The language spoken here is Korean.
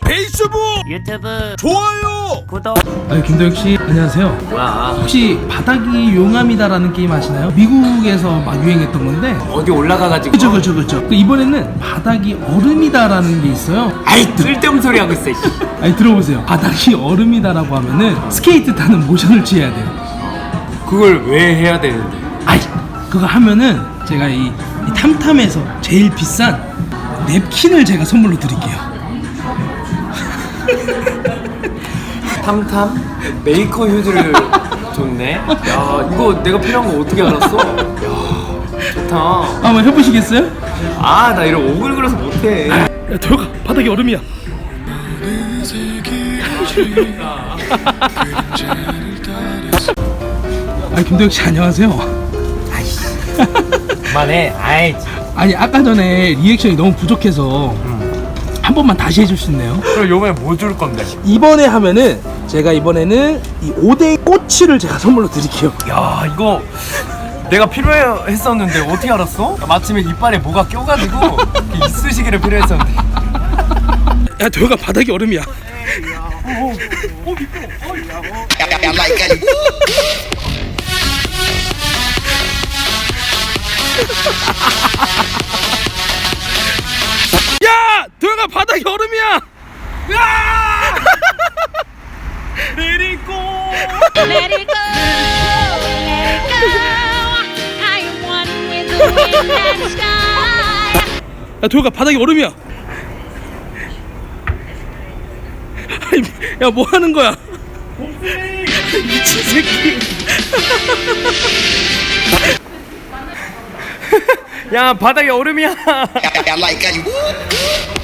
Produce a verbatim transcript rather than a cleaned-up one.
페이스북 유튜브 좋아요 구독. 아니 김도혁씨 안녕하세요. 뭐야? 혹시 바닥이 용암이다라는 게임 아시나요? 미국에서 막 유행했던 건데. 어디 올라가가지고. 그쵸 그쵸 그쵸. 또 이번에는 바닥이 얼음이다라는 게 있어요. 아이 쓸데없는 소리 하고 있어. 아니 들어보세요. 바닥이 얼음이다라고 하면은 스케이트 타는 모션을 취해야 돼요. 그걸 왜 해야 되는데? 아이 그거 하면은 제가 이, 이 탐탐에서 제일 비싼 냅킨을 제가 선물로 드릴게요. 탐탐 메이커 휴즈를 줬네. 야 이거 내가 필요한 거 어떻게 알았어? 야 좋다. 한번 해보시겠어요? 아 나 이런 오글거려서 못해. 야 도혁아 바닥이 얼음이야. 아 김도혁씨 안녕하세요. 그만해. 아이. 아니 아까 전에 리액션이 너무 부족해서 한 번만 다시 해줄 수 있나요? 그럼 요번에 뭐 줄 건데? 이번에 하면은 제가 이번에는 이 오뎅 꼬치를 제가 선물로 드릴게요. 야 이거 내가 필요했었는데 어떻게 알았어? 마침에 이빨에 뭐가 껴가지고 이쑤시개를 필요했었는데. 야 도혁아 바닥이 얼음이야. 야 도혁아 바닥이 얼음이야. Let it go. Let it go, let it go. I am one with the wind and sky. 야 도혁아 바닥이 얼음이야. 야 뭐 하는 거야? 미친 새끼. 야 바닥에 얼음이야. I like how you.